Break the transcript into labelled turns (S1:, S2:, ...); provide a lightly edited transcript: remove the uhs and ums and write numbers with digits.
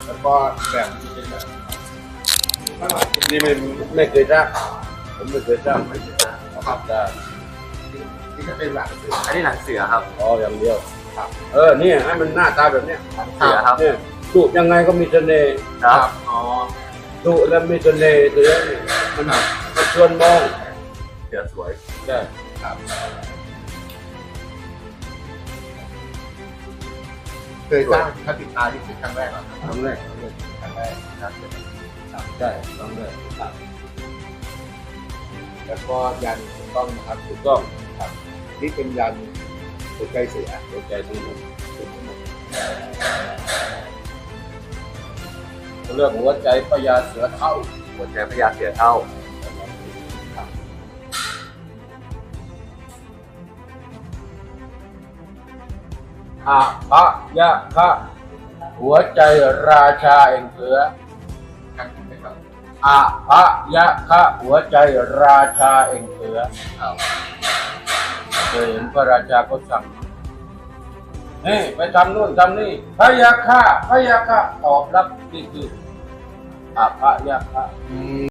S1: แล้วก็แบบนี่ไม่เคยทราบผมไม่เคยทราบไม่เคยทราบครับได้ที่จะเป็นหลัง
S2: อันนี้หนังเสือครับ
S1: อ๋ออย่างเดียวครับเนี่ยให้มันหน้าตาแบบเนี้ย
S2: หนังเสือครับ
S1: เนี่ยดุยังไงก็มีเสน่ห์
S2: ครับอ๋อ
S1: ดุแล้วมีเสน่ห์เสือเนี่ยมันชวนมอง
S2: เสือสวย
S1: ใช่
S3: ครับเคยสร้างพระปิดตาที่สุดครั้งแรกเหรอ
S1: ครั้งแรก
S3: ครั้งแรกครับ
S1: ใช่ครั้งแรกครับ
S3: แล้วก็ยันถูกต้องนะครับ
S1: ถูกต้อง
S3: ครับนี่เป็นยันหัวใจเสือ
S1: หัวใจทั้งหมดเขาเรียกหัวใจพญาเสือเท่า
S2: หัวใจพญาเสือเท่า
S1: อะพะยะคะหัวใจราชาแห่งเสือ
S3: ครั้งที่ครับ
S1: อะพะยะคะหัวใจราชาแห่งเสือ
S2: ครับ
S1: เคยเห็นพระราชาก็สั่งนี่ไปทำนู่นทำนี่พะยะคะพะยะคะตอบรับนี่คืออะพะยะคะ